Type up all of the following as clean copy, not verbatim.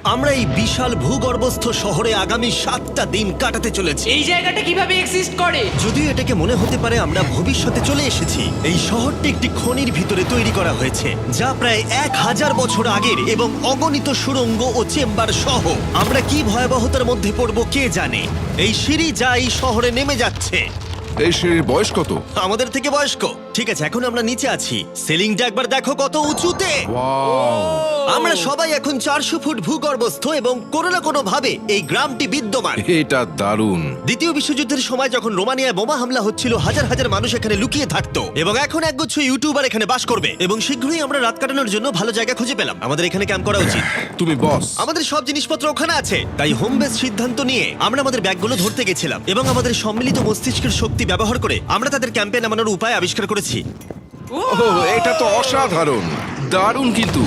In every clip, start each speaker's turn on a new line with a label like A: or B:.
A: আমরা এই বিশাল ভূগর্ভস্থ শহরে আগামী 7টা দিন কাটাতে চলেছি।
B: এই জায়গাটা কিভাবে এক্সিস্ট করে?
A: যদিও এটাকে মনে হতে পারে আমরা ভবিষ্যতে চলে এসেছি, এই শহরটি একটি খনির ভিতরে তৈরি করা হয়েছে যা প্রায় 1000 বছর আগের এবং অগণিত সুড়ঙ্গ ও চেম্বার সহ। আমরা কি ভয়াবহতার মধ্যে পড়ব কে জানে। এই সিঁড়ি যা এই শহরে নেমে যাচ্ছে
C: এই সিঁড়ির বয়স কত?
A: আমাদের থেকে বয়স্ক। ঠিক আছে, এখন আমরা নিচে আছি। সিলিংটা একবার দেখো কত উঁচুতে।
C: ওয়াও!
A: আমরা সবাই এখন 400 ফুট ভূগর্ভস্থ এবং কোনো না কোনো ভাবে এই গ্রামটি বিদ্যমান।
C: এটা দারুণ।
A: দ্বিতীয় বিশ্বযুদ্ধের সময় যখন রোমানিয়ায় বোমা হামলা হচ্ছিল, হাজার হাজার মানুষ এখানে লুকিয়ে থাকতো এবং এখন একগুচ্ছ ইউটিউবার এখানে বাস করবে এবং শীঘ্রই আমরা রাত কাটানোর জন্য ভালো জায়গা খুঁজে পেলাম। আমাদের এখানে ক্যাম্প করা উচিত।
C: তুমি বস।
A: আমাদের সব জিনিসপত্র ওখানে আছে, তাই হোম বেস সিদ্ধান্ত নিয়ে আমরা আমাদের ব্যাগগুলো ধরতে গেছিলাম এবং আমাদের সম্মিলিত মস্তিষ্কের শক্তি ব্যবহার করে আমরা তাদের ক্যাম্পে নামানোর উপায় আবিষ্কার করেছি।
C: ওহ, এটা তো অসাধারণ, দারুণ। কিন্তু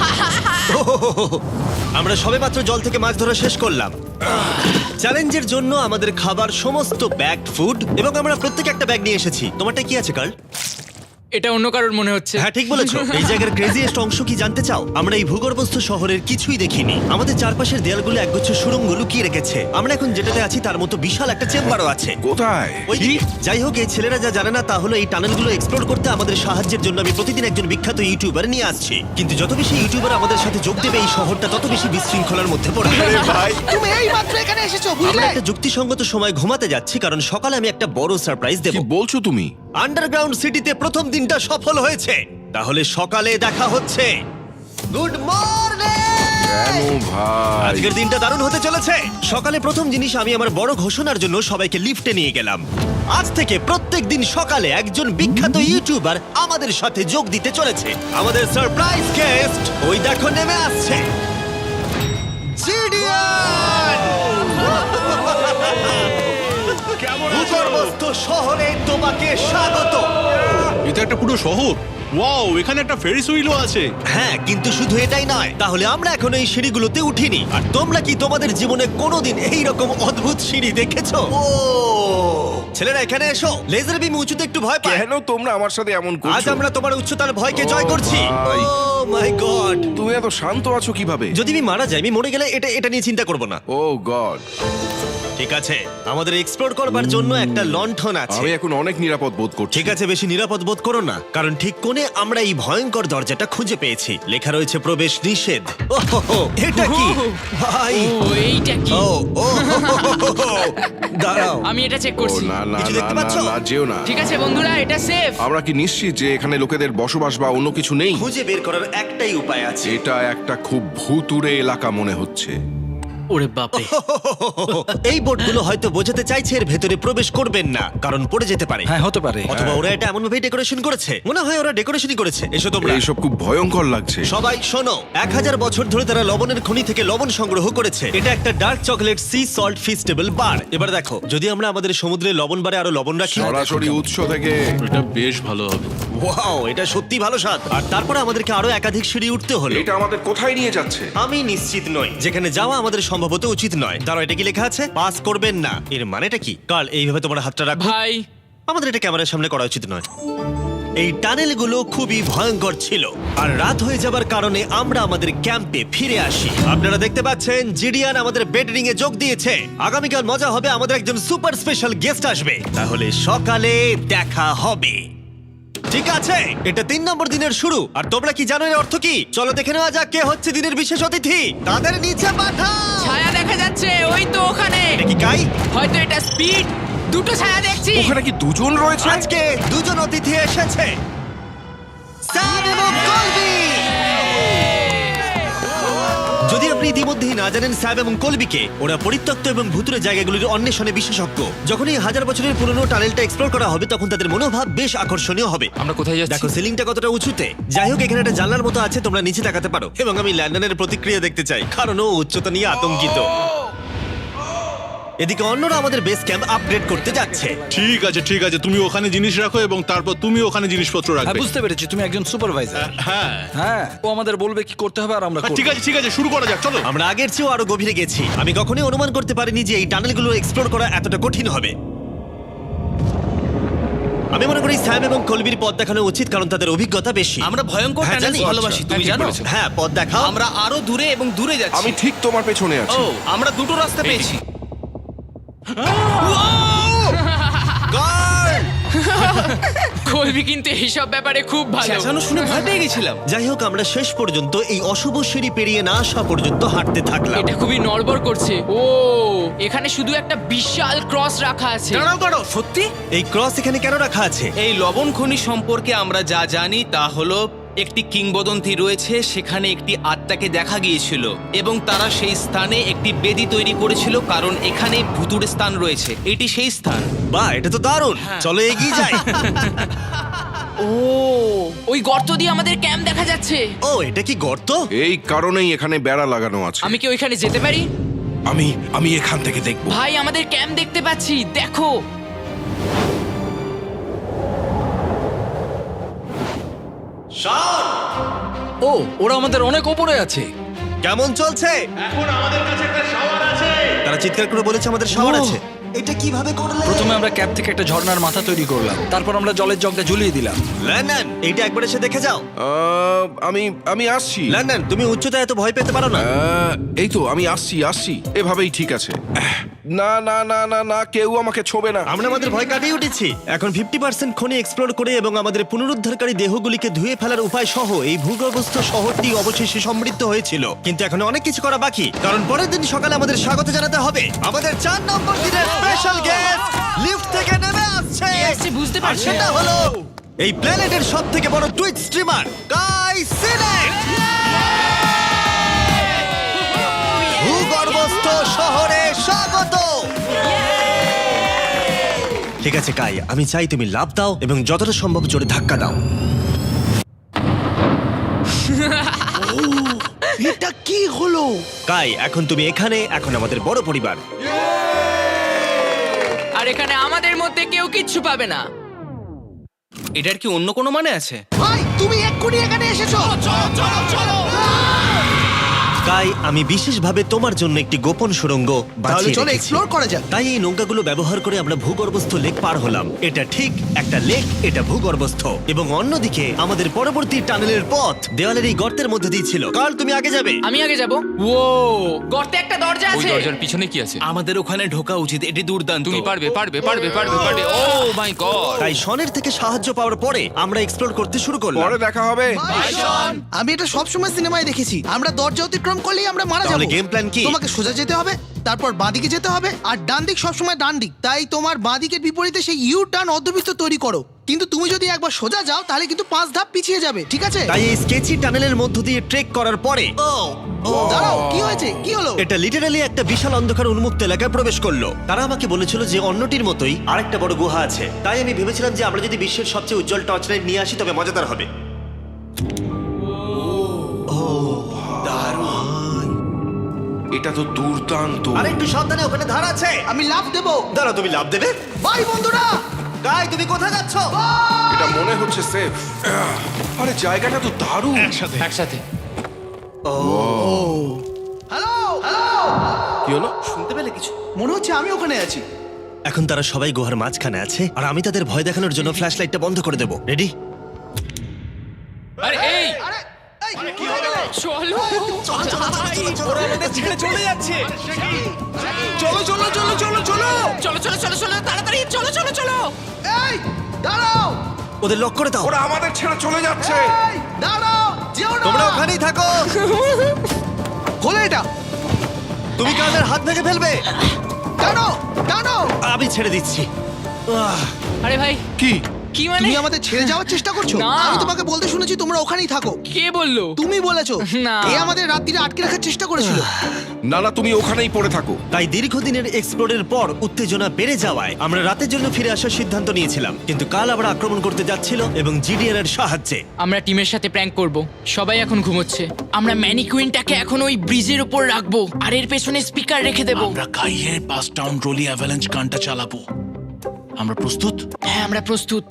A: আমরা সবেমাত্র জল থেকে মাছ ধরা শেষ করলাম। চ্যালেঞ্জের জন্য আমাদের খাবার সমস্ত ব্যাগড ফুড এবং আমরা প্রত্যেকে একটা ব্যাগ নিয়ে এসেছি। তোমারটা কি আছে কার্ল?
B: এটা অন্য কারোর মনে হচ্ছে।
A: হ্যাঁ, ঠিক বলেছো। এই জায়গার ক্রেজিয়েস্ট অংশ কি জানতে চাও? আমরা এই ভূগর্ভস্থ শহরের কিছুই দেখিনি। আমাদের চারপাশের দেয়ালগুলো একগুচ্ছ সুড়ঙ্গ লুকিয়ে রেখেছে। আমরা এখন যেটাতে আছি তার মতো বিশাল একটা চেম্বারও আছে।
C: কোথায়?
A: ওইদিকে। যাই হোক, এই ছেলেরা যা জানে না তা হলো এই টানেলগুলো এক্সপ্লোর করতে আমাদের সাহায্যের জন্য আমি প্রতিদিন একজন বিখ্যাত ইউটিউবার নিয়ে আসছি। কিন্তু যত বেশি ইউটিউবার আমাদের সাথে যোগ দেবে এই শহরটা তত বেশি বিশৃঙ্খলার মধ্যে পড়বে।
D: তুমি এই মাত্র এখানে এসেছো,
A: আমরা
D: বুঝলে?
A: একটা যুক্তিসঙ্গত সময় ঘুমাতে যাচ্ছি কারণ সকালে আমি একটা বড় সারপ্রাইজ দেব।
C: কি বলছো তুমি?
A: আন্ডারগ্রাউন্ড সিটিতে প্রথম দিনটা সফল হয়েছে। তাহলে সকালে দেখা হচ্ছে। Good morning!
C: কেন ভাই?
A: আজকের দিনটা দারুণ হতে চলেছে। সকালে প্রথম জিনিস, আমি আমার বড় ঘোষণার জন্য সবাইকে লিফটে নিয়ে গেলাম। আজ থেকে প্রত্যেক দিন সকালে একজন বিখ্যাত ইউটিউবার আমাদের সাথে যোগ দিতে চলেছে। আমাদের সারপ্রাইজ গেস্ট ওই দেখো নেমে আসছে, জিডিয়ান! ভূগর্ভস্থ শহরে তোমাকে স্বাগত।
E: এটা একটা পুরো শহর। ওয়াও, এখানে একটা ফেরিস হুইলও আছে।
A: হ্যাঁ, কিন্তু শুধু এটাই নয়। তাহলে আমরা এখন এই সিঁড়িগুলোতে উঠিনি। আর তোমরা কি তোমাদের জীবনে কোনোদিন এই রকম অদ্ভুত সিঁড়ি দেখেছো? ও ছেলেরা, এখানে এসো। লেজার বিম উঁচুতে একটু ভয় পায়।
C: কেন তোমরা আমার সাথে এমন
A: আজ
C: করছো?
A: আমরা তোমার উচ্চতার ভয়কে জয়
C: ও
A: করছি।
C: ভাই।
A: Oh my god!
C: তুমি এত শান্ত আছো কিভাবে?
A: যদি আমি মারা যাই, আমি মরে গেলে এটা নিয়ে চিন্তা করব না।
C: Oh god!
A: ঠিক আছে, আমাদের এক্সপ্লোর করবার জন্য একটা লণ্ঠন আছে।
C: আমি এখন অনেক নিরাপদ বোধ করছি।
A: ঠিক আছে, বেশি নিরাপদ বোধ করো না, কারণ ঠিক কোণে আমরা এই ভয়ঙ্কর দরজাটা খুঁজে পেয়েছি। লেখা রয়েছে প্রবেশ নিষেধ। ওহো, এটা কি ভাই?
B: ও এইটা কি?
A: ও ও দাঁড়াও,
B: আমি এটা চেক
C: ও
B: করছি।
C: না না
A: কিছু
C: না
A: দেখতে
C: না
A: পাচ্ছো?
C: না, যেও না।
B: ঠিক আছে বন্ধুরা, এটা সেফ।
C: আমরা কি নিশ্চিত যে এখানে লোকেদের বসবাস বা অন্য কিছু নেই?
A: খুঁজে বের করার একটাই উপায় আছে।
C: এটা একটা খুব ভুতুড়ে এলাকা মনে হচ্ছে।
B: ওরে বাপরে।
A: এই বোর্ডগুলো হয়তো বোঝাতে চাইছে এর ভেতরে প্রবেশ করবেন না, কারণ পড়ে যেতে পারে।
D: হ্যাঁ, হতে পারে।
A: অথবা ওরা এটা এমন ভাবে ডেকোরেশন করেছে, মনে হয় ওরা ডেকোরেশনই করেছে। এসো তোমরা।
C: এইসব খুব ভয়ঙ্কর লাগছে।
A: সবাই শোনো, 1000 বছর ধরে তারা লবণের খনি থেকে লবণ সংগ্রহ করেছে। এটা একটা dark chocolate sea salt Feastables bar. এবার দেখো, যদি আমরা আমাদের সমুদ্রে লবণ বারে আরো লবণ রাখি।
C: সরাসরি উৎস থেকে।
E: এটা বেশ ভালো হবে।
A: ওয়াও, এটা সত্যি ভালো স্বাদ। আর তারপরে আমাদেরকে আরো একাধিক সিঁড়ি উঠতে হলো।
C: এটা আমাদের কোথায় নিয়ে যাচ্ছে?
A: আমি নিশ্চিত নই। যেখানে যাওয়া আমাদের সম্ভবত উচিত নয়। দাঁড়াও, এটা কি লেখা আছে? পাস করবেন না। এর মানেটা কি? কাল এইভাবে তোমার হাতটা রাখো।
B: ভাই,
A: আমাদের এটা ক্যামেরার সামনে করা উচিত নয়। এই টানেলগুলো খুবই ভয়ঙ্কর ছিল, আর রাত হয়ে যাবার কারণে আমরা আমাদের ক্যাম্পে ফিরে আসি। আপনারা দেখতে পাচ্ছেন জিডিয়ান আমাদের বেডরিং এ যোগ দিয়েছে। আগামীকাল মজা হবে, আমাদের একজন সুপার স্পেশাল গেস্ট আসবে। তাহলে সকালে দেখা হবে। ঠিক আছে, এটা 3 নম্বর দিনের শুরু। আর তোমরা কি জানো এর অর্থ কি? চলো দেখে নেওয়া যাক কে হচ্ছে দিনের বিশেষ অতিথি। তাদের নিচে পাঠাও।
B: ছায়া দেখা যাচ্ছে ওই তো ওখানে।
A: এটা কি কাই?
B: হয়তো এটা স্পিড। দুটো ছায়া দেখছি।
C: ওখানে কি দুজন রয়েছে?
A: আজকে দুজন অতিথি এসেছে, স্যাম এবং কলবি। যদি আপনি ইতিমধ্যেই না জানেন স্যাম এবং কলবিকে, ওরা পরিত্যক্ত এবং ভুতুরে জায়গাগুলির অন্বেষণে বিশেষজ্ঞ। যখন এই 1000 বছরের পুরনো টানেলটা এক্সপ্লোর করা হবে, তখন তাদের মনোভাব বেশ আকর্ষণীয় হবে।
B: আমরা কোথায় যাচ্ছি?
A: দেখো সিলিংটা কতটা উঁচুতে। যাই হোক, এখানে একটা জানলার মতো আছে, তোমরা নিচে তাকাতে পারো। এবং আমি ল্যান্ডনের প্রতিক্রিয়া দেখতে চাই, কারণ ও উচ্চতা নিয়ে আতঙ্কিত। এদিকে অন্যরা আমাদের বেস ক্যাম্প আপগ্রেড করতে যাচ্ছে।
E: ঠিক আছে ঠিক আছে, তুমি ওখানে জিনিস রাখো এবং তারপর তুমি ওখানে জিনিসপত্র
D: হ্যাঁ,
E: রাখবে।
D: বুঝতে পেরেছি, তুমি একজন সুপারভাইজার।
E: হ্যাঁ
D: হ্যাঁ, ও আমাদের বলবে কি করতে হবে আর আমরা করব।
E: ঠিক আছে, শুরু করা যাক, চলো।
A: আমরা আগের চেয়েও আরো গভীরে গেছি। আমি কখনোই অনুমান করতে পারিনি যে এই টানেলগুলো এক্সপ্লোর করা এতটা কঠিন হবে। আমি মনে করি স্যাম এবং কলবির পথ দেখানো উচিত, কারণ তাদের অভিজ্ঞতা বেশি।
F: আমরা ভয়ঙ্কর
A: হ্যাঁ,
F: টানেলস
A: জানি।
F: ভালোবাসি, তুমি জানো?
A: হ্যাঁ, পথ দেখাও।
F: আমরা আরো দূরে এবং দূরে যাচ্ছি।
C: আমি ঠিক তোমার পেছনে
F: ও,
C: আছি।
F: আমরা দুটো রাস্তা পেয়েছি।
B: কলবি কিন্তু এইসব ব্যাপারে খুব ভালো।
F: চেঁচানো শুনে ভয় পেয়ে গেছিলাম।
A: যাই হোক, আমরা শেষ পর্যন্ত এই অশুভ সিঁড়ি পেরিয়ে না আসা পর্যন্ত হাঁটতে থাকলাম।
B: এটা খুবই নড়বড় করছে। ও, এখানে শুধু একটা বিশাল ক্রস রাখা আছে।
F: দাঁড়াও, সত্যি?
A: এই ক্রস এখানে কেন রাখা আছে?
F: এই লবণ খনি সম্পর্কে আমরা যা জানি তা হলো একটি কিংবদন্তি রয়েছে, সেখানে একটি আত্মাকে দেখা গিয়েছিল এবং তারা সেই স্থানে একটি বেদি তৈরি করেছিল, কারণ এখানে ভুতুড়ে স্থান রয়েছে। এটি সেই স্থান।
A: বাহ, এটা তো দারুণ। চলো এগিয়ে যাই।
B: ও, ওই গর্ত দিয়ে আমাদের ক্যাম্প দেখা যাচ্ছে।
A: ও, এটা কি গর্ত?
C: এই কারণেই এখানে বেড়া লাগানো আছে।
B: আমি কি ওইখানে যেতে পারি?
C: আমি এখান থেকে দেখব।
B: ভাই, আমাদের ক্যাম্প দেখতে পাচ্ছি, দেখো।
D: ও, ওরা আমাদের অনেক ওপরে আছে।
A: কেমন চলছে? তারা চিৎকার করে বলেছে আমাদের শাওয়ার আছে। এটা কিভাবে করলে?
D: প্রথমে আমরা ক্যাপ থেকে একটা ঝর্ণার মাথা তৈরি করলাম, তারপর আমরা জলের জগটা ঝুলিয়ে দিলাম।
A: লন্ডন, এইটা একবার এসে দেখে যাও।
C: আমি আসছি।
A: লন্ডন, তুমি উচ্চতায় এত ভয় পেতে পারো না।
C: এই তো আমি আসছি। এভাবেই ঠিক আছে। না না না না না, কেউ আমাকে ছোবে না।
A: আমরা আমাদের ভয় কাটিয়ে উঠেছি। এখন 50% খনি এক্সপ্লোর করে এবং আমাদের পুনরুদ্ধারকারী দেহগুলিকে ধুয়ে ফেলার উপায় সহ এই ভূগর্ভস্থ শহরটি অবশেষে সমৃদ্ধ হয়েছিল। কিন্তু এখন অনেক কিছু করা বাকি, কারণ পরের দিন সকালে আমাদের স্বাগত জানাতে হবে আমাদের 4 নম্বর দিনের স্পেশাল গেস্ট লিফট থেকে নেমে আসছে।
B: কে আসছে বুঝতে
A: আর
B: পারছি
A: সেটা
B: না।
A: হলো এই প্ল্যানেটের সবথেকে বড় টুইট স্ট্রিমার গাই সিলেট। ভূগর্ভস্থ শহরে স্বাগত। ঠিক আছে কাই, আমি চাই তুমি লাফ দাও এবং যতটা সম্ভব জোরে ধাক্কা দাও।
C: এটা কি হলো?
A: কাই, এখন তুমি এখানে, এখন আমাদের বড় পরিবার।
B: আর এখানে আমাদের মধ্যে কেউ কিচ্ছু পাবে না।
F: এটার কি অন্য কোনো মানে আছে?
D: ভাই, তুমি এক্ষুনি এখানে এসেছো।
A: কাই, আমি বিশেষভাবে তোমার জন্য একটি গোপন সুড়ঙ্গ বাছিয়ে
D: চলো
A: রেখেছি।
D: এক্সপ্লোর করা যাক।
A: তাই এই নৌকাগুলো ব্যবহার করে আমরা ভূগর্ভস্থ লেক পার হলাম। এটা ঠিক একটা লেক, এটা ভূগর্ভস্থ। এবং অন্যদিকে আমাদের পরবর্তী টানেলের পথ দেওয়ালের এই গর্তের মধ্যে দিয়ে ছিল। কাল, তুমি আগে যাবে।
B: আমি আগে যাব। ও, গর্তে একটা দরজা
G: ওই
B: আছে।
G: দরজার পিছনে কি আছে?
F: আমাদের ওখানে ঢোকা উচিত, এটি দুর্দান্ত।
G: তুমি পারবে। Oh my god!
A: তাই শনের থেকে সাহায্য পাওয়ার পরে আমরা এক্সপ্লোর করতে শুরু করলাম।
C: পরে দেখা হবে।
D: আমি এটা সবসময় সিনেমায় দেখেছি, আমরা দরজা অতিক্রম করলেই আমরা মারা
A: তাহলে
D: যাবো।
A: গেম প্ল্যান কি?
D: তোমাকে সোজা যেতে হবে, তারপর বাঁদিকে যেতে হবে, আর ডান দিক সবসময় ডান দিক। তাই তোমার বাঁদিকের বিপরীতে সেই ইউ টার্ন অর্ধবৃত্ত তৈরি করো। কিন্তু তুমি যদি একবার সোজা যাও তাহলে কিন্তু 5 ধাপ পিছিয়ে যাবে, ঠিক আছে?
A: তাই এই স্কেচি টানেলের মধ্য দিয়ে ট্রেক করার পরে
D: দাঁড়াও, কি হয়েছে? কি হলো?
A: এটা লিটারালি একটা বিশাল অন্ধকার উন্মুক্ত এলাকায় প্রবেশ করলো। তারা আমাকে বলেছিল যে অন্যটির মতোই আরেকটা বড় গুহা আছে। তাই আমি ভেবেছিলাম যে আমরা যদি বিশ্বের সবচেয়ে উজ্জ্বল টর্চ লাইট নিয়ে আসি তবে মজাদার হবে।
C: এটা তো দুর্দান্ত।
A: আর একটু সাবধানে, ওখানে ধার আছে।
D: আমি লাফ দেবো।
A: দাঁড়াও, তুমি লাভ দেবে?
D: বাই বন্ধুরা।
A: গাই, তুমি কোথায় যাচ্ছ?
C: এটা মনে হচ্ছে সেফ। আরে জায়গাটা তো দারুণ।
G: একসাথে।
D: হ্যালো হ্যালো,
C: কি হলো?
F: শুনতে পেলে কিছু?
D: মনে হচ্ছে আমি ওখানে আছি।
A: এখন তারা সবাই গুহার মাঝখানে আছে, আর আমি তাদের ভয় দেখানোর জন্য ফ্ল্যাশ লাইটটা বন্ধ করে দেবো। রেডি?
G: আরে এই
D: আরে এই, কি
B: চলো।
F: ছেড়ে চলে যাচ্ছে।
B: চলো, তাড়াতাড়ি চলো।
D: এই, দাঁড়াও।
A: ওদের লক করে দাও।
C: ওরা আমাদের ছেড়ে চলে যাচ্ছে।
D: এই, দাঁড়াও, যেও না।
A: তোমরা ওখানেই থাকো।
D: খোলো এটা।
A: তুমি কাদের হাত ভেঙে ফেলবে।
D: টানো টানো।
A: আমি ছেড়ে দিচ্ছি।
B: আরে ভাই,
C: কি?
B: কি মানে?
D: তুমি আমাদের ছেড়ে যাওয়ার চেষ্টা করছো?
B: না।
D: আমি তোমাকে বলতে শুনেছি তোমরা ওখানেই থাকো।
B: কে বললো?
D: তুমি বলেছো।
B: না।
D: এ আমাদের রাত্রিরে আটকে রাখার চেষ্টা করেছিল।
C: না না, তুমি ওখানেই পড়ে থাকো।
A: তাই দীর্ঘদিনের এক্সপ্লোরের পর উত্তেজনা বেড়ে যাওয়ায় আমরা রাতের জন্য ফিরে আসার সিদ্ধান্ত নিয়েছিলাম। কিন্তু কাল আবার আক্রমণ করতে যাচ্ছিল এবং জিডিএন এর সাহায্যে।
B: আমরা টিমের সাথে প্র্যাঙ্ক করব। সবাই এখন ঘুমোচ্ছে। আমরা ম্যানিকুইনটাকে এখন ওই ব্রিজের উপর রাখবো আর এর পেছনে স্পিকার রেখে দেব।
E: আমরা কাইয়ের পাস টাউন রোলি অ্যাভালাঞ্চ গানটা চালাবো। আমরা প্রস্তুত?
B: হ্যাঁ, আমরা প্রস্তুত।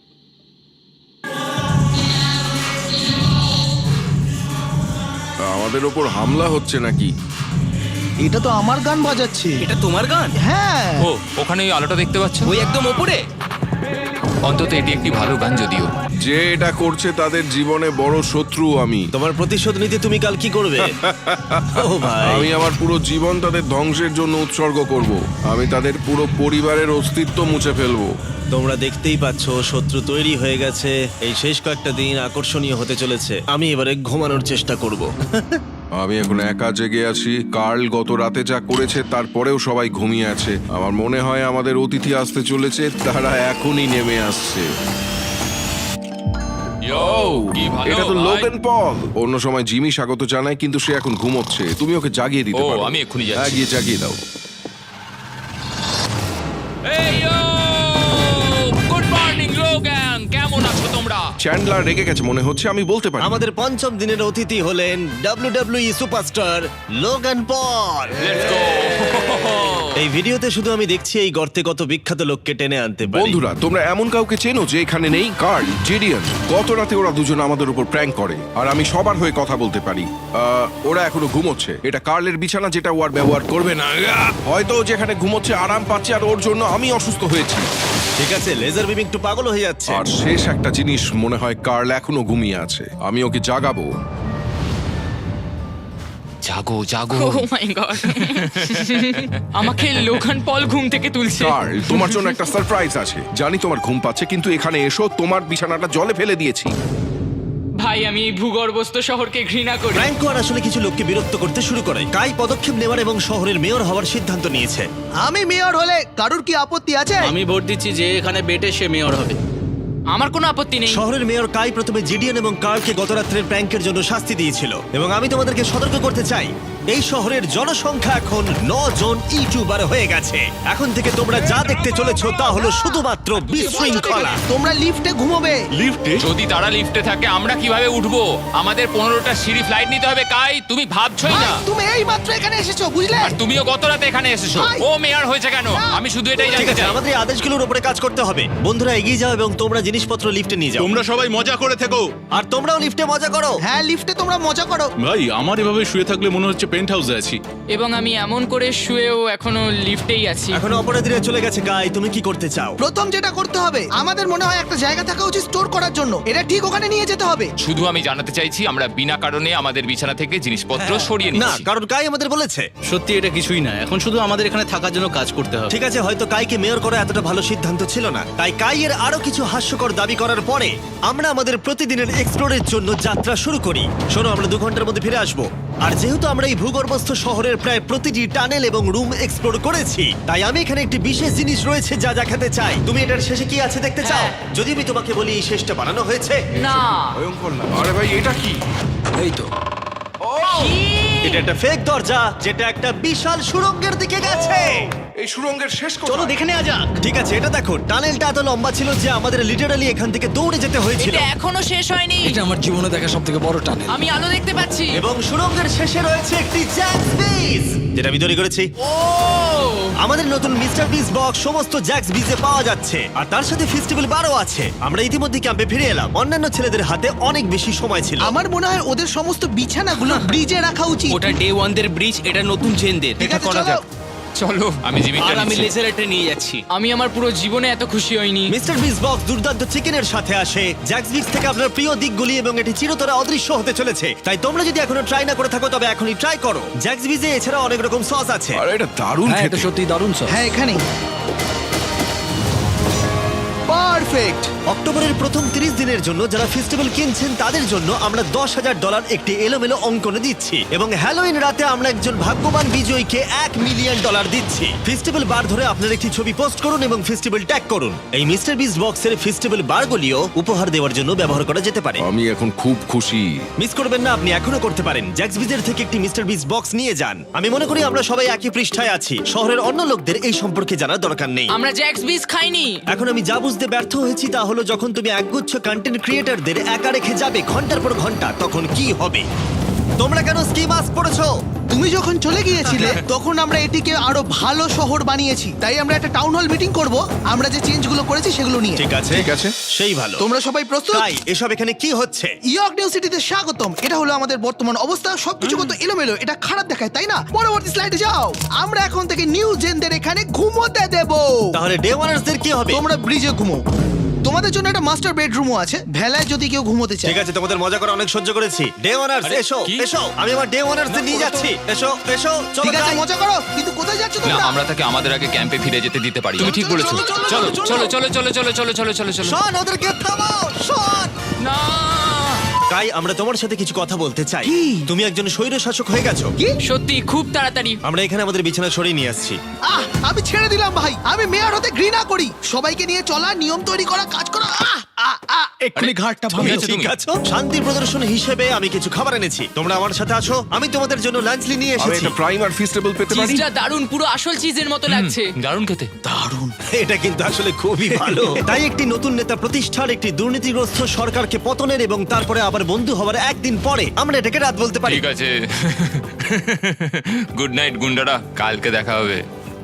C: আমাদের ওপর হামলা হচ্ছে নাকি?
D: এটা তো আমার গান বাজাচ্ছে।
F: এটা তোমার গান?
D: হ্যাঁ।
G: ও, ওখানে ওই আলোটা দেখতে পাচ্ছ?
F: ওই একদম ওপরে।
G: অন্তত এটি একটি ভালো গান যদিও।
C: যে এটা করছে তাদের জীবনে বড় শত্রু আমি।
A: তোমার প্রতিশোধ নিতে তুমি কাল কি করবে? ও ভাই,
C: আমি আমার পুরো জীবন তাদের ধ্বংসের জন্য উৎসর্গ করব। আমি তাদের পুরো পরিবারের অস্তিত্ব মুছে ফেলবো।
A: তোমরা দেখতেই পাচ্ছ শত্রু তৈরি হয়ে গেছে। এই শেষ কয়েকটা দিন আকর্ষণীয় হতে চলেছে। আমি এবারে ঘুমানোর চেষ্টা করব।
C: আমি এখন একা জেগে আছি। কার্ল গত রাতে যা করেছে তারপরেও সবাই ঘুমিয়ে আছে। আমার মনে হয় আমাদের অতিথি আসতে চলেছে, তারা এখনই নেমে আসছে।
G: কি ভালো
C: এটা তো
G: ভাই।
C: Logan Paul. অন্য সময় জিমি স্বাগত জানায়, কিন্তু সে এখন ঘুমোচ্ছে। তুমি ওকে জাগিয়ে দিতে
G: ও,
C: পারো।
G: আমি এক্ষুনি যাচ্ছি।
C: হ্যাঁ, গিয়ে জাগিয়ে দাও।
G: এই গুড মর্নিং লোগান, কেমন আছো তোমরা?
C: চ্যান্ডলার রেগে গেছে মনে হচ্ছে, আমি বলতে পারি।
A: আমাদের পঞ্চম দিনের অতিথি হলেন WWE superstar Logan Paul.
G: Let's go.
A: এই ভিডিওতে শুধু আমি দেখছি এই গর্তে কত বিখ্যাত লোককে টেনে আনতে পারি।
C: বন্ধুরা, তোমরা এমন কাউকে চেনো যে এখানে নেই? Karl, Jidion. গত রাতে ওরা দুজন আমাদের উপর প্র্যাঙ্ক করে, আর আমি সবার হয়ে কথা বলতে পারি। ওরা এখনো ঘুমোচ্ছে। এটা কার্লের বিছানা, যেটা ও আর ব্যবহার করবে না। হয়তো ও যেখানে ঘুমোচ্ছে আরাম পাচ্ছে, আর ওর জন্য আমি অসুস্থ হয়েছি।
A: ঠিক আছে, লেজার বিম একটু পাগল হয়ে যাচ্ছে।
C: আর শেষ একটা জিনিস, মনে হয় কার্ল এখনো ঘুমিয়ে আছে। আমি ওকে জাগাবো।
G: জাগো জাগো।
B: ও মাই গড, আমাকে লোগান পল ঘুম থেকে তুলছে।
C: কার্ল, তোমার জন্য একটা সারপ্রাইজ আছে। জানি তোমার ঘুম পাচ্ছে, কিন্তু এখানে এসো, তোমার বিছানাটা জলে ফেলে দিয়েছি।
B: ভাই, আমি এই ভূগর্ভস্থ শহরকে ঘৃণা করি।
A: ফ্র্যাঙ্কো আর আসলে কিছু লোককে বিরক্ত করতে শুরু করে। কাই পদক্ষেপ নেওয়ার এবং শহরের মেয়র হওয়ার সিদ্ধান্ত নিয়েছে।
D: আমি মেয়র হলে কারুর কি আপত্তি আছে?
H: আমি ভোট দিচ্ছি যে এখানে বেটে সে মেয়র হবে।
B: আমার কোনো আপত্তি নেই।
A: শহরের মেয়র কাই প্রথমে জিডিএন এবং কার্লকে গত রাত্রের প্র্যাঙ্কের জন্য শাস্তি দিয়েছিল, এবং আমি তোমাদেরকে সতর্ক করতে চাই, এই শহরের জনসংখ্যা এখন 9 জন ইউটিউবার হয়ে গেছে। এখন থেকে তোমরা যা দেখতে চলেছো তা হলো শুধুমাত্র বিশৃঙ্খলা।
D: তোমরা লিফটে ঘুমোবে।
G: যদি তারা লিফটে থাকে আমরা কিভাবে উঠবো? আমাদের 15টা সিঁড়ি ফ্লাইট নিতে হবে। কাই, তুমি ভাবছোই
D: ভাই,
G: না।
D: তুমি এই মাত্র এখানে এসেছো, বুঝলে?
G: আর তুমিও গত রাতে এখানে এসেছো।
D: ভাই।
G: ও মেয়র হয়েছে কেন? আমি শুধু এটাই
A: ঠিক
G: জানতে
A: আছে,
G: চাই।
A: আমাদের এই আদেশগুলোর উপরে কাজ করতে হবে। বন্ধুরা, এগিয়ে যাও এবং তোমরা জিনিসপত্র লিফটে নিয়ে যাও।
I: তোমরা সবাই মজা করে থেকো।
A: আর তোমরাও লিফটে মজা করো।
D: হ্যাঁ, লিফটে তোমরা মজা করো।
I: ভাই, আমার এভাবে শুয়ে থাকলে মনে হচ্ছে পেন্ট হাউসে আছি।
B: এবং আমি এমন করে শুয়েও এখনো লিফটেই আছি।
A: এখন অপরাধীরা চলে গেছে। কাই, তুমি কি করতে চাও?
D: প্রথম যেটা করতে হবে, আমাদের মনে হয় একটা জায়গা থাকা উচিত স্টোর করার জন্য। এটা ঠিক ওখানে নিয়ে যেতে হবে।
G: শুধু আমি জানাতে চাইছি আমরা বিনা কারণে আমাদের বিছানা থেকে জিনিসপত্র সরিয়ে
A: না,
G: নিচ্ছি।
A: কারণ কাই আমাদের বলেছে।
H: সত্যি এটা কিছুই না, এখন শুধু আমাদের এখানে থাকার জন্য কাজ করতে হবে।
A: ঠিক আছে, হয়তো কাইকে মেয়র করা এতটা ভালো সিদ্ধান্ত ছিল না। তাই কাইয়ের আরো কিছু হাস্যকর দাবি করার পরে আমরা আমাদের প্রতিদিনের এক্সপ্লোরের জন্য যাত্রা শুরু করি। শোনো, আমরা 2 ঘন্টার মধ্যে ফিরে আসবো। আর যেহেতু আমরা এই ভূগর্ভস্থ শহরের প্রায় প্রতিটি টানেল এবং রুম এক্সপ্লোর করেছি, তাই আমি এখানে একটি বিশেষ জিনিস রয়েছে যা দেখাতে চাই। তুমি এটার শেষে কি আছে দেখতে চাও? যদি আমি তোমাকে বলি এই শেষটা বানানো হয়েছে।
B: না,
C: ভয়ঙ্কর না? আরে ভাই, এটা কি?
H: এই তো
A: এটা একটা ফেক দরজা, যেটা একটা বিশাল সুড়ঙ্গের দিকে গেছে।
C: এই সুড়ঙ্গের শেষ
H: চলো
C: কোথায়?
H: দেখে নেওয়া যাক।
A: ঠিক আছে, এটা দেখো, টানেলটা এত লম্বা ছিল যে আমাদের লিটারালি এখান থেকে দৌড়ে যেতে হয়েছিল।
B: এটা এখনো শেষ হয়নি।
H: আমার জীবনে দেখা সবথেকে বড় টানেল।
B: আমি আলো দেখতে পাচ্ছি।
A: এবং সুড়ঙ্গের শেষে রয়েছে একটি জ্যাক্স বিজ, যেটা আমি তৈরি করেছি।
B: ও,
A: আমাদের নতুন মিস্টার বিস বক্স সমস্ত জ্যাক্স বিজে পাওয়া যাচ্ছে, আর তার সাথে ফেস্টিভ্যাল বারও আছে। আমরা ইতিমধ্যে ক্যাম্পে ফিরে এলাম। অন্যান্য ছেলেদের হাতে অনেক বেশি সময় ছিল।
D: আমার মনে হয় ওদের সমস্ত বিছানাগুলো ব্রিজে রাখা উচিত।
F: ওটা ডে 1 দের ব্রিজ, এটা নতুন চেনদের।
D: ঠিক আছে, চলো।
G: চলো, আমি জিমিটা
F: আর আমি
G: নিচ্ছি।
F: লেজারটা নিয়ে যাচ্ছি।
B: আমি আমার পুরো জীবনে এত খুশি হইনি।
A: মিস্টার বিস বক্স দুর্দান্ত চিকেনের সাথে আসে, জ্যাক্স বিক্স থেকে আপনার প্রিয় দিকগুলি, এবং এটি চিরতরে অদৃশ্য হতে চলেছে। তাই তোমরা যদি এখনো ট্রাই না করে থাকো তবে এখনই ট্রাই করো। জ্যাক্স বিজে এছাড়া অনেক রকম সস আছে।
C: আরে এটা দারুণ খেতে।
H: সত্যি দারুণ সব।
D: হ্যাঁ, এখানেই। পারফেক্ট।
A: অক্টোবরের প্রথম 30 দিনের জন্য যারা ফেস্টিভ্যাল কিনছেন তাদের জন্য আমরা $10,000 একটি এলোমেলো অঙ্কনে দিচ্ছি, এবং হ্যালোইন রাতে আমরা একজন ভাগ্যবান বিজয়ীকে $1 মিলিয়ন দিচ্ছি। ফেস্টিভ্যাল বার ধরে আপনার একটি ছবি পোস্ট করুন এবং ফেস্টিভ্যাল ট্যাগ করুন। এই মিস্টার বিস বক্সের ফেস্টিভ্যাল বারগুলিও উপহার দেওয়ার জন্য ব্যবহার করা যেতে পারে।
C: আমি এখন খুব খুশি।
A: মিস করবেন না, আপনি এখনো করতে পারেন। জ্যাক্স বিজের থেকে একটি মিস্টার বিস বক্স নিয়ে যান। আমি মনে করি আমরা সবাই একই পৃষ্ঠায় আছি। শহরের অন্য লোকদের এই সম্পর্কে জানার দরকার নেই।
B: আমরা জ্যাক্স বিস খাইনি।
A: এখন আমি যা বুঝতে ব্যর্থ হয়েছি তা হলো, যখন তুমি একগুচ্ছ কন্টেন্ট ক্রিয়েটরদের একা রেখে যাবে ঘন্টার পর ঘন্টা, তখন কি হবে। তোমরা কেন স্কি মাস্ক পরেছো?
D: তুমি যখন চলে গিয়েছিলে তখন আমরা এটিকে আরো ভালো শহর বানিয়েছি, তাই আমরা একটা টাউন হল মিটিং করব আমরা যে চেঞ্জগুলো করেছি সেগুলো নিয়ে।
A: ঠিক আছে,
C: ঠিক আছে।
A: সেই ভালো।
D: তোমরা সবাই প্রস্তুত?
A: তাই এসব এখানে কি হচ্ছে?
D: ইয়র্ক নিউ সিটিতে স্বাগতম। এটা হলো আমাদের বর্তমান অবস্থা। সবকিছু কত এলোমেলো, এটা খারাপ দেখায় তাই না? পরবর্তী স্লাইডে যাও। আমরা এখন থেকে নিউ জেনদের এখানে ঘুমোতে দেব।
A: তাহলে ডে ওয়ানার্সদের কি হবে?
D: তোমরা ব্রিজে ঘুমো। তোমাদের জন্য একটা মাস্টার বেডরুমও আছে, ভেলায় যদি কেউ ঘুমোতে চায়।
A: ঠিক আছে, তোমাদের মজা করে অনেক সহ্য করেছি। ডে ওয়ানার্স এসো, এসো, আমি আমার ডে ওয়ানার্সদের নিয়ে যাচ্ছি। এসো, এসো, চলো
D: ঠিক আছে,
A: যাই।
D: মজা করো, কিন্তু কোথায় যাচ্ছ
G: না
D: তোমরা?
G: আমরা তাকে আমাদের আগে ক্যাম্পে ফিরে যেতে দিতে পারি। তুমি ঠিক বলেছো।
D: চলো,
G: চলো
D: চলো,
G: চলো চলো চলো চলো চলো চলো চলো চলো।
A: শোন, ওদেরকে থামাও, শোন।
G: না
A: কাই, আমরা তোমার সাথে কিছু কথা বলতে চাই। তুমি একজন স্বৈর শাসক হয়ে গেছো।
B: সত্যি খুব তাড়াতাড়ি।
A: আমরা এখানে আমাদের বিছানা সরিয়ে নিয়ে আসছি।
D: আমি ছেড়ে দিলাম ভাই। আমি মেয়র হতে ঘৃণা করি। সবাইকে নিয়ে চলা, নিয়ম তৈরি করা, কাজ করা।
H: এক্ষুনি ঘাটটা
A: তুমি
H: ভাঙলো।
A: ঠিক আছো? শান্তি প্রদর্শন হিসেবে আমি কিছু খাবার এনেছি। তোমরা আমার সাথে আছো। আমি তোমাদের জন্য লাঞ্চ নিয়ে
C: আমি
A: এসেছি।
C: একটা প্রাইম আর ফিস্টেবল পেতে পারি?
B: চিজটা দারুণ, পুরো আসল চিজের মতো লাগছে।
G: দারুণ খেতে।
A: এটা কিন্তু আসলে খুবই ভালো। তাই একটি নতুন নেতা প্রতিষ্ঠার, একটি দুর্নীতিগ্রস্ত সরকারকে পতনের এবং তারপরে আবার বন্ধু হওয়ার একদিন পরে আমরা এটাকে রাত বলতে পারি।
G: ঠিক আছে। গুড নাইট গুন্ডারা, কালকে দেখা হবে।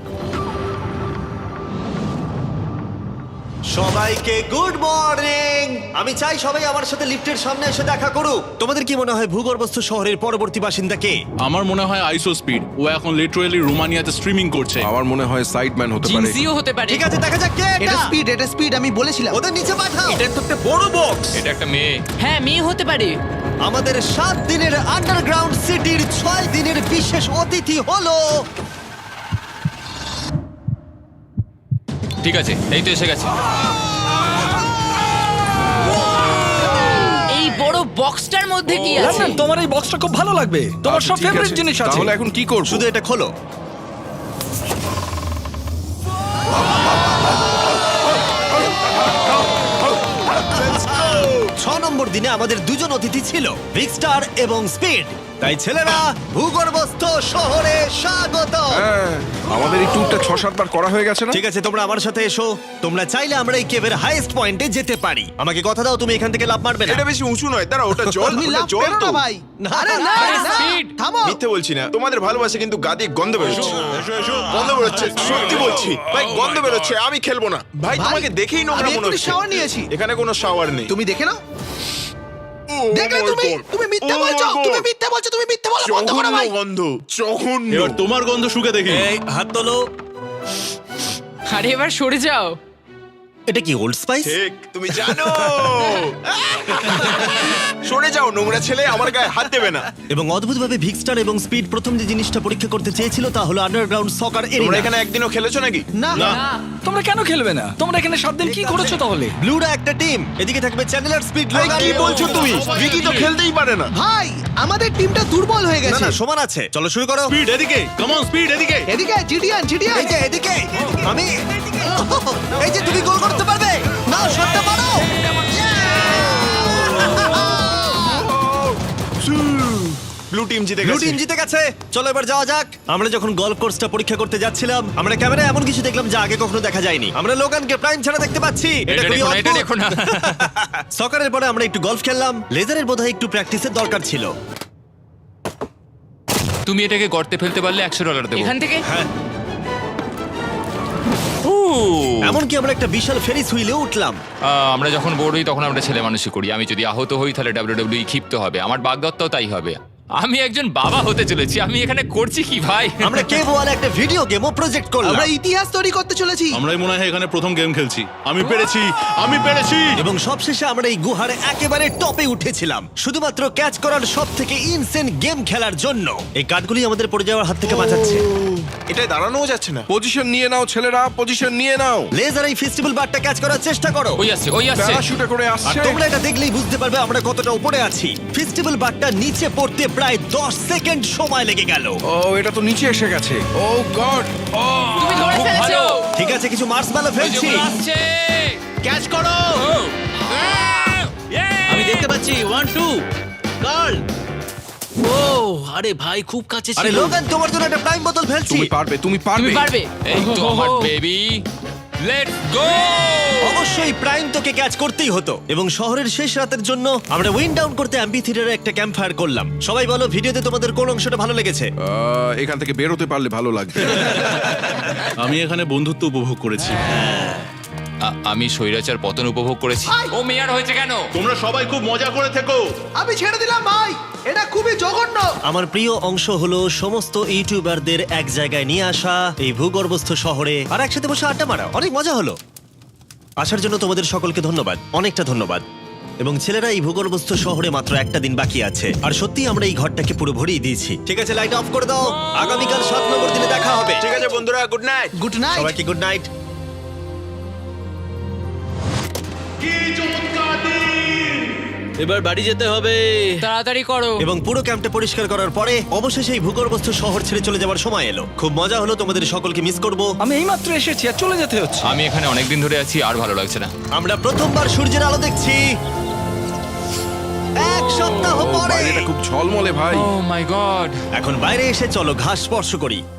A: সবাইকে গুড মর্নিং। আমি চাই সবাই আমার সাথে লিফটের সামনে এসে দেখা করুক। তোমাদের কি মনে হয় ভূগর্ভস্থ শহরের পরবর্তী বাসিন্দা কে?
I: আমার মনে হয় আইসো স্পিড। ও এখন লিটারালি রোমানিয়াতে স্ট্রিমিং করছে।
C: আমার মনে হয় সাইডম্যান হতে পারে।
B: জিনসিও হতে পারে।
A: ঠিক আছে, দেখা যাক কে
D: এটা
A: এটা।
D: স্পিড, এটা স্পিড, আমি বলেছিলাম।
A: ওদের নিচে পাঠাও।
F: এটা তো একটা বড় বক্স।
G: এটা একটা মেয়ে।
B: হ্যাঁ, মেয়ে হতে পারে।
A: আমাদের 7 দিনের আন্ডারগ্রাউন্ড সিটির 6 দিনের বিশেষ অতিথি হলো
G: ঠিক আছে, এই তো এসে গেছে।
B: এই বড় বক্সটার মধ্যে কি আছে?
H: তোমার এই বক্সটা খুব ভালো লাগবে। তোমার
C: আচ্ছা,
H: সব
C: ঠিক
H: ফেভারিট
C: আছে।
H: জিনিস আছে।
C: তাহলে এখন কি করব?
A: শুধু এটা খোলো। ছ নম্বর দিনে আমাদের দুজন অতিথি ছিল, বিগ স্টার এবং স্পিড। তাই ছেলেরা, ভূগর্ভস্থ শহরে স্বাগত।
C: হ্যাঁ, আমাদের এই ট্যুরটা 6-7 বার করা হয়ে গেছে না?
A: ঠিক আছে, তোমরা আমার সাথে এসো। তোমরা চাইলে আমরা এই কেভের হাইয়েস্ট পয়েন্টে যেতে পারি। আমাকে কথা দাও তুমি এখান থেকে লাফ মারবে না।
J: এটা বেশি উঁচু নয়, দাঁড়া, ওটা জল,
D: তুমি
J: ওটা
D: লাফ
J: জল
D: পেরো
J: তো।
D: না ভাই। আরে না,
B: আরে
D: না,
B: speed।
D: থামো।
J: মিথ্যে বলছি না, তোমাদের ভালোবাসে কিন্তু গাদি গন্ধ বেরোচ্ছে। গন্ধ বেরোচ্ছে, সত্যি বলছি ভাই, গন্ধ বেরোচ্ছে। আমি খেলবো না ভাই,
D: ভাই,
J: তোমাকে দেখেই নোংরা
D: আমি
J: মনে
D: এক্ষুনি
J: হচ্ছে।
D: shower নিয়েছি।
J: এখানে কোনো শাওয়ার নেই।
D: তুমি দেখে নাও।
J: ও
D: দেখলে
J: my
D: তুমি,
J: God!
D: তুমি মিথ্যা
J: Oh my
D: বলছো,
J: God!
D: তুমি মিথ্যা বলছো, তুমি মিথ্যা বলা বন্ধ করো
J: জঘন্য
D: ভাই।
J: গন্ধ, জঘন্য।
I: এবার তোমার গন্ধ শুকে দেখি।
A: এই হাত তোলো।
B: আরে এবার সরে যাও।
A: এটা কি ওল্ড স্পাইস?
J: ঠিক, তুমি জানো। সরে যাও নোংরা ছেলে, আমার গায়ে হাত দেবে না।
A: এবং অদ্ভুতভাবে ভিগ স্টার এবং স্পিড প্রথম যে জিনিসটা পরীক্ষা করতে চেয়েছিল তা হলো আন্ডারগ্রাউন্ড সকার
J: তোমরা
A: এরিয়া।
J: এখানে একদিনও খেলেছো নাকি?
D: না,
H: তোমরা কেন খেলবে না? তোমরা এখানে 7 দিন কি করেছো তাহলে?
A: ব্লুরা একটা টিম, এদিকে থাকবে চ্যানেলার, স্পিড,
J: ভাই,
A: লোগান।
J: কি বলছো তুমি? ভিকি তো খেলতেই পারে না।
D: ভাই, আমাদের টিমটা দুর্বল হয়ে
A: না
D: গেছে।
A: না, সমান আছে। চলো শুরু করো।
I: স্পিড এদিকে, কাম অন স্পিড এদিকে।
D: এদিকে জিডিয়ান, জিডিয়ান।
A: এই যে এদিকে, আমি এই যে তুমি গোল করতে পারবে না, শটটা মারো।
J: ব্লু টিম জিতে
A: ব্লু
J: গেছে।
A: টিম জিতে গেছে। চলো এবার যাওয়া যাক। আমরা যখন গলফ কোর্সটা পরীক্ষা করতে যাচ্ছিলাম, আমরা ক্যামেরায় এমন কিছু দেখলাম যা আগে কখনো দেখা যায়নি। আমরা লোগানকে প্রাইম ছাড়া দেখতে পাচ্ছি।
G: এটা
A: খুবই
G: দেখো না, এটা
A: অদ্ভুত।
G: দেখো না।
A: সকারের পরে আমরা একটু গলফ খেললাম। লেজারের বোধহয় একটু প্র্যাকটিসের দরকার ছিল।
G: তুমি এটাকে গর্তে ফেলতে পারলে $100 দেবো।
B: এখান থেকে
A: এমনকি আমরা একটা বিশাল ফেরিস হুইলে উঠলাম।
G: আমরা যখন বোর হই তখন আমরা ছেলে মানুষই করি। আমি যদি আহত হই তাহলে WWE ক্ষিপ্ত হবে। আমার বাগদত্তাও তাই হবে। আমি একজন বাবা হতে চলেছি। আমি এখানে করছি কি ভাই?
A: আমরা কেভ ওয়ালে একটা ভিডিও গেমও প্রজেক্ট করলাম
D: আমরা ইতিহাস তৈরি করতে চলেছি।
I: আমরাই মনে হয় এখানে প্রথম গেম খেলছি। আমি পেরেছি, আমি পেরেছি।
A: এবং সবশেষে আমরা এই গুহার একেবারে টপে উঠেছিলাম শুধুমাত্র ক্যাচ করার সব থেকে ইনসেন গেম খেলার জন্য। এই কাঠগুলি আমাদের পড়ে যাওয়ার হাত থেকে বাঁচাচ্ছে।
J: এটাই দাঁড়ানোও যাচ্ছে না।
C: পজিশন নিয়ে নাও ছেলেরা, পজিশন নিয়ে নাও।
A: লেজার এই ফেস্টিভ্যাল বারটা ক্যাচ করার চেষ্টা করো।
G: ওই আসছে, ওই আসছে।
C: প্যারাশুটে করে
A: আর
C: আসছে।
A: তোমরা এটা দেখলেই বুঝতে পারবে আমরা কতটা উপরে আছি। ফেস্টিভ্যাল বারটা নিচে পড়তে প্রায় 10 সেকেন্ড সময় লেগে গেল।
C: ও, এটা তো নিচে এসে গেছে। Oh god.
B: তুমি ধরে
G: খুব
B: ফেলেছো।
G: ভালো।
A: ঠিক আছে, কিছু মার্সম্যালো ফেলছি।
G: ওই যে আসছে।
H: ক্যাচ করো। আমি দেখতে পাচ্ছি 1 2 গার্ল। ও আরে ভাই, খুব কাছে
A: আরে
H: ছিল।
A: লোগান, তোমার জন্য একটা প্রাইম বোতল ফেলছি।
C: তুমি পারবে, তুমি পারবে।
B: তুমি পারবে।
G: এই তো আমার বেবি। Let's go!
A: অবশ্যই প্রাইম তোকে ক্যাচ করতেই হতো এবং শহরের শেষ রাতের জন্য আমরা উইন্ড ডাউন করতে অ্যাম্পি থিয়েটারে একটা ক্যাম্প ফায়ার করলাম। সবাই বলো ভিডিওতে তোমাদের কোন অংশটা ভালো লেগেছে?
C: এখান থেকে বেরোতে পারলে ভালো লাগবে।
I: আমি এখানে বন্ধুত্ব উপভোগ করেছি।
G: আমি স্বৈরাচার পতন উপভোগ করেছি। ও মেয়ার হয়েছে কেন?
I: তোমরা সবাই খুব মজা করে থেকো।
D: আমি ছেড়ে দিলাম ভাই, এটা খুবই জঘন্য।
A: আমার প্রিয় অংশ হলো সমস্ত ইউটিউবারদের এক জায়গায় নিয়ে আসা এই ভূগর্ভস্থ শহরে আর একসাথে বসে আড্ডা মারা। অনেক মজা হলো। আসার জন্য তোমাদের সকলকে ধন্যবাদ, অনেকটা ধন্যবাদ। এবং ছেলেরা এই ভূগর্ভস্থ শহরে মাত্র একটা দিন বাকি আছে আর সত্যি আমরা এই ঘরটাকে পুরো ভরিয়ে দিয়েছি। ঠিক আছে, লাইট অফ করে দাও। আগামীকাল 7 নম্বর দিনে দেখা হবে।
J: ঠিক আছে বন্ধুরা, গুড নাইট।
D: Good night.
A: সবাইকে গুড নাইট।
H: এবার বাড়ি যেতে হবে।
B: তাড়াতাড়ি করো।
A: এবং পুরো ক্যাম্পটা পরিষ্কার করার পরে অবশেষে এই ভূগর্ভস্থ শহর ছেড়ে চলে যাওয়ার সময় এলো। খুব মজা হলো, তোমাদের সকলকে মিস করব।
H: আমি এইমাত্র এসেছি আর চলে যেতে হচ্ছে।
G: আমি এখানে অনেকদিন ধরে আছি আর ভালো লাগছে না।
A: আমরা প্রথমবার সূর্যের আলো দেখছি 1 সপ্তাহ পরে।
C: বাইরেটা খুব ঝলমলে ভাই।
G: Oh my god!
A: এখন বাইরে এসে চলো ঘাস স্পর্শ করি।